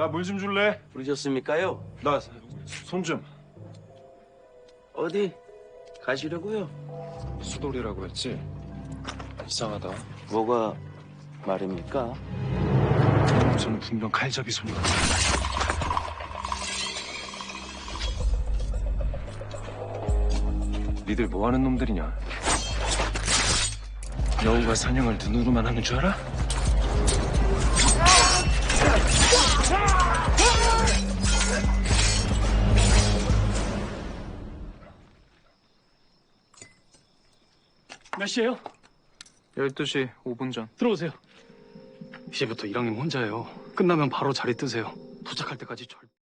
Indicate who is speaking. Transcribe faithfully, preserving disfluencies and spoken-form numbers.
Speaker 1: 나 물 좀 줄래?
Speaker 2: 부르셨습니까요?
Speaker 1: 나 손 좀.
Speaker 2: 어디 가시려고요?
Speaker 1: 수돌이라고 했지? 이상하다.
Speaker 2: 뭐가 말입니까?
Speaker 1: 저는 분명 칼잡이 손이 같아. 니들 뭐 하는 놈들이냐? 여우가 사냥을 눈으로만 하는 줄 알아?
Speaker 3: 몇 시에요?
Speaker 4: 열두 시 오 분 전.
Speaker 3: 들어오세요.
Speaker 4: 이제부터 이랑님 혼자예요. 끝나면 바로 자리 뜨세요. 도착할 때까지 절...